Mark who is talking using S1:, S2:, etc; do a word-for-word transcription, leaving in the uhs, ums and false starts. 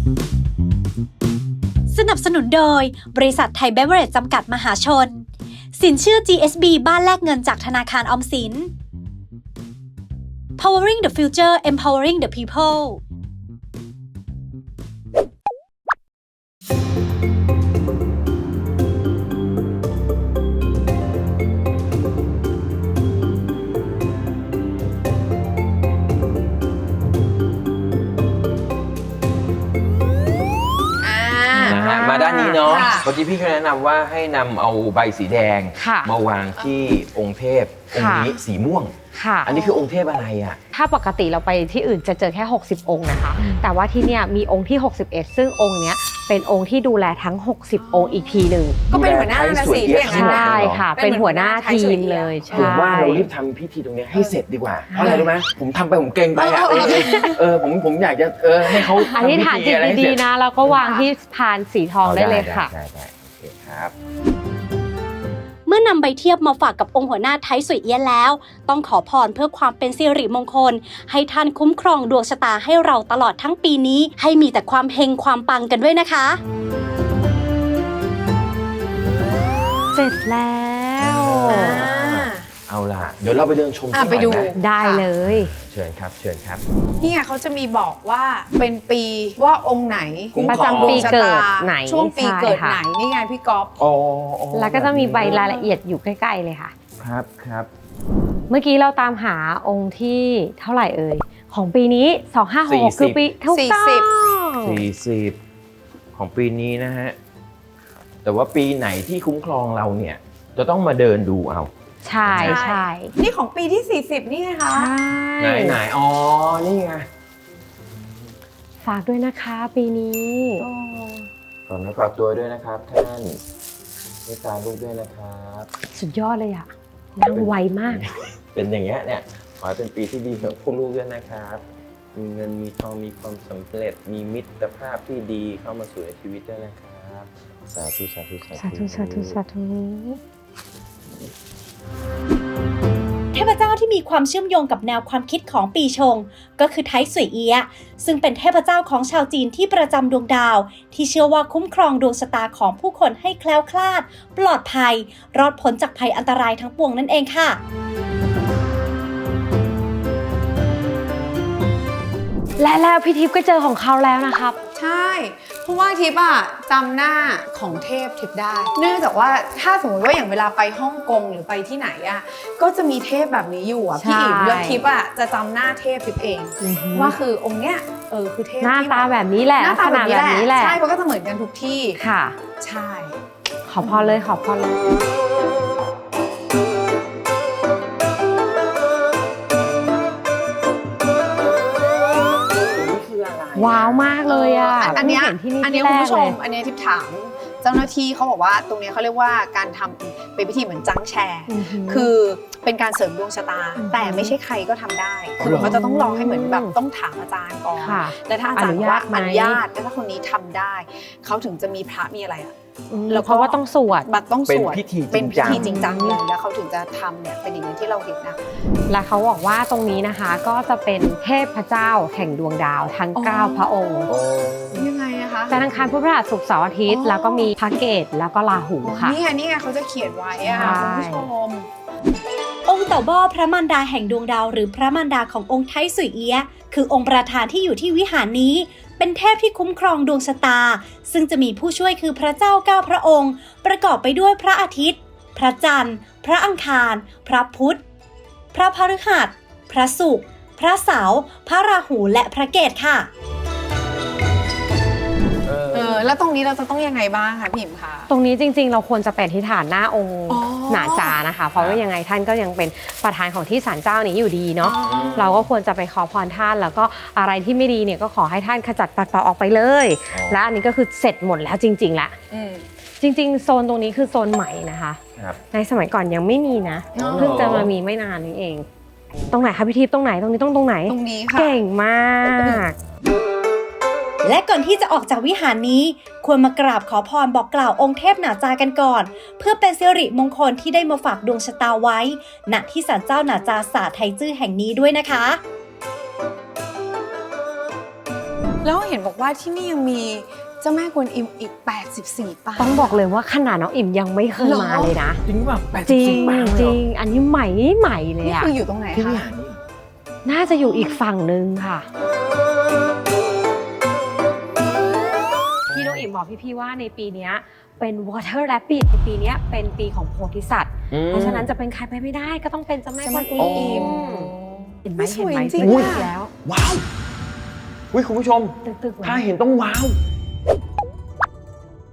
S1: สนับสนุนโดยบริษัทไทยเบเวอเรจจำกัดมหาชนสินเชื่อ จี เอส บี บ้านแลกเงินจากธนาคารออมสิน Powering the Future Empowering the People
S2: มาด้านนี้เนาะเมื่อกี้พี่เขาแนะนำว่าให้นำเอาใบสีแดงมาวางที่องค์เทพองค์นี้สีม่วงอันนี้คือองค์เทพอะไรอ่ะ
S3: ถ้าปกติเราไปที่อื่นจะเจอแค่หกสิบองค์นะคะแต่ว่าที่เนี่ยมีองค์ที่หกสิบเอ็ดซึ่งองค์เนี้ยเป็นองค์ที่ดูแลทั้งหกสิบองค์อีกทีหนึ่ง
S4: ก็เป็นหัวหน้าราศีที่อย่างนั้น
S3: ใช่ค่ะเป็นหัวหน้าทีมเลยใช่
S2: ผมว่าเรารีบทำพิธีตรงนี้ให้เสร็จดีกว่าเพราะอะไรรู้ไหมผมทำไปผมเกรงไปอ่ะเออผมผมอยากจะเออให้เขา
S3: อธิษฐานจิตดีๆนะแล้วก็วางที่พานสีทองได้เลยค่ะ
S2: ได้ได้โอเคครับ
S1: เมื่อนำใบเทียบมาฝากกับองค์หัวหน้าไทยสุยเอี้ยนแล้วต้องขอพรเพื่อความเป็นสิริมงคลให้ท่านคุ้มครองดวงชะตาให้เราตลอดทั้งปีนี้ให้มีแต่ความเฮงความปังกันด้วยนะคะ
S3: เสร็จแล้ว
S2: เอาล่ะเดี๋ยวเราไปเดินชมที่ไปดู
S3: ได้เลย
S2: เชิญครับเชิญครับ
S4: นี่เขาจะมีบอกว่าเป็นปีว่าองค์ไหน
S3: ประจำปีเกิดไหน
S4: ช่วงปีเกิดไหนนี่ไงพี่ก๊อฟ
S3: แล้วก็จะมีใบรายละเอียดอยู่ใกล้ๆเลยค่ะ
S2: ครับครับ
S3: เมื่อกี้เราตามหาองค์ที่เท่าไหร่เอ่ยของปีนี้สองห้าหกคือปีทุกต้อง
S2: สี่สิบของปีนี้นะฮะแต่ว่าปีไหนที่คุ้มครองเราเนี่ยจะต้องมาเดินดูเอา
S3: ใช่ใช่
S4: นี่ของปีที่สี่สิบนี่ไงคะ
S2: ไหนไหนอ๋อนี่ไง
S3: ฝากด้วยนะคะปีนี้
S2: ขอฝากตัวด้วยนะครับท่านเมตตาลูกด้วยนะครับ
S3: สุดยอดเลยอ่ะนั่งไวมาก
S2: เป็นอย่างเงี้ยเนี่ยขอให้เป็นปีที่ดีของพวกลูกด้วยนะครับมีเงินมีทองมีความสำเร็จมีมิตรภาพที่ดีเข้ามาสู่ในชีวิตด้วยนะครับสาธุสาธุสาธุ
S3: สาธุสาธุสาธุ
S1: เทพเจ้าที่มีความเชื่อมโยงกับแนวความคิดของปีชงก็คือไทสุยเอี้ยซึ่งเป็นเทพเจ้าของชาวจีนที่ประจำดวงดาวที่เชื่อว่าคุ้มครองดวงชะตาของผู้คนให้แคล้วคลาดปลอดภัยรอดพ้นจากภัยอันตรายทั้งปวงนั่นเองค่ะ
S3: และแล้วพี่ทิพย์ก็เจอของเขาแล้วนะครับ
S4: ใช่เพราะว่าทิพย์อะจำหน้าของเทพทิพย์ได้เนื่องจากว่าถ้าสมมติว่าอย่างเวลาไปฮ่องกงหรือไปที่ไหนอะก็จะมีเทพแบบนี้อยู่อะพี่อิ๋มแล้วทิพย์อะจะจำหน้าเทพทิพย์เองว่าคือองค์เนี้ยเออคือเทพ
S3: หน้าตาแบบนี้แหละ
S4: หน้าตาแบบนี้แหละใช่เพราะก็จะเหมือนกันทุกที่
S3: ค่ะ
S4: ใช่
S3: ขอพรเลยขอพรเลยว้าวมากเลยอ่ะ
S4: อันนี้อันนี้คุณผู้ชมอันนี้ทิพย์ถามเจ้าหน้าที่เขาบอกว่าตรงนี้เขาเรียกว่าการทำเป็นพิธีเหมือนจังแชร์คือเป็นการเสริมดวงชะตาแต่ไม่ใช่ใครก็ทำได้คือเขาจะต้องรอให้เหมือนแบบต้องถามอาจารย์ก่อนและถ้าอาจารย์ว่าอนุญาตและถ้าคนนี้ทำได้เขาถึงจะมีพระมีอะไรอ่ะ
S3: แล้วเพราะว่าต้องสวด
S4: บัตรต้องสวด
S2: เป็นพิธี
S4: จริงจังเลยแล้วเขาถึงจะทำเนี่ยเป็นอย่างนั้นที่เราเห็นนะ
S3: และเขาบอกว่าตรงนี้นะคะก็จะเป็นเทพเจ้าแห่งดวงดาวทั้งเก้าพระองค์
S4: ยังไงนะคะ
S3: จันทร์อังคารพุธพฤหัสศุกร์เสาร์อาทิตย์แล้วก็มีพระเกศแล้วก็ราหูค่ะ
S4: นี่ไงนี่ไงเขาจะเขียนไว้อะคุณผู้ชม
S1: องค์เต่าบ้อพระมารดาแห่งดวงดาวหรือพระมารดาขององค์ไทสุยเอี้ยคือองค์ประธานที่อยู่ที่วิหารนี้เป็นเทพที่คุ้มครองดวงชะตาซึ่งจะมีผู้ช่วยคือพระเจ้าเก้าพระองค์ประกอบไปด้วยพระอาทิตย์พระจันทร์พระอังคารพระพุธพระพฤหัสพระศุกร์พระเสาร์พระราหูและพระเกศค่ะ
S4: เออแล้วตรงนี้เราจะต้องยังไงบ้างคะพี่อิ๋มคะ
S3: ตรงนี้จริงๆเราควรจะเป็นที่ฐานหน้าองค์หนาจานะคะเพราะว่ายังไงท่านก็ยังเป็นประธานของที่ศาลเจ้านี้อยู่ดีเนาะเราก็ควรจะไปขอพรท่านแล้วก็อะไรที่ไม่ดีเนี่ยก็ขอให้ท่านขจัดปัดเป่าออกไปเลยและอันนี้ก็คือเสร็จหมดแล้วจริงๆละจริงๆโซนตรงนี้คือโซนใหม่นะคะในสมัยก่อนยังไม่มีนะเพิ่งจะมามีไม่นานนี้เองตรงไหนคะพี่ทิพย์ตรงไหนตรงนี้ต้องตรงไหน
S4: ตรงนี้ค่ะ
S3: เก่งมาก
S1: และก่อนที่จะออกจากวิหารนี้ควรมากราบขอพรบอกกล่าวองค์เทพหนาจากันก่อนเพื่อเป็นสิริมงคลที่ได้มาฝากดวงชะตาไว้ณที่ศาลเจ้าหนาจาสาไทจื้อแห่งนี้ด้วยนะคะ
S4: แล้วเห็นบอกว่าที่นี่ยังมีเจ้าแม่กวนอิมอีกแปดสิบสี่ปาง
S3: ต้องบอกเลยว่าขนาดน้องอิ่มยังไม่เคย
S4: หรอ
S3: มาเลยนะ
S2: จริงป่ะแปด
S3: จ
S2: สิบ
S3: ริง
S2: สี่ปางเลย
S3: จ
S2: เหร
S3: ริ
S2: อง
S3: อันนี้ใหม่ใหม่เลย
S4: นี่
S3: อะ
S4: คืออยู่ตรงไหน
S2: ที่วิ
S4: คะ
S2: หารนี่เหรอ
S3: น่าจะอยู่อีกฝั่งนึงค่ะพี่น้องอิ่มบอกพี่ๆว่าในปีเนี้ยเป็น Water Rabbit ในปีเนี้ยเป็นปีของโพธิสัตว์
S2: อืม
S3: เพราะฉะนั้นจะเป็นใครไปไม่ได้ก็ต้องเป็นเจ้าแม่กวนอิ
S2: โอ้
S3: มเห็นไหม
S4: ไม่ส
S3: เห็น
S4: วย
S3: ไหม
S4: จริง
S3: เป็น
S4: อะ
S3: แล้ว
S2: ว้าวอุ้ยคุณผู้ชม
S3: ตึกๆ
S2: ถ้าเห็นต้องว้าว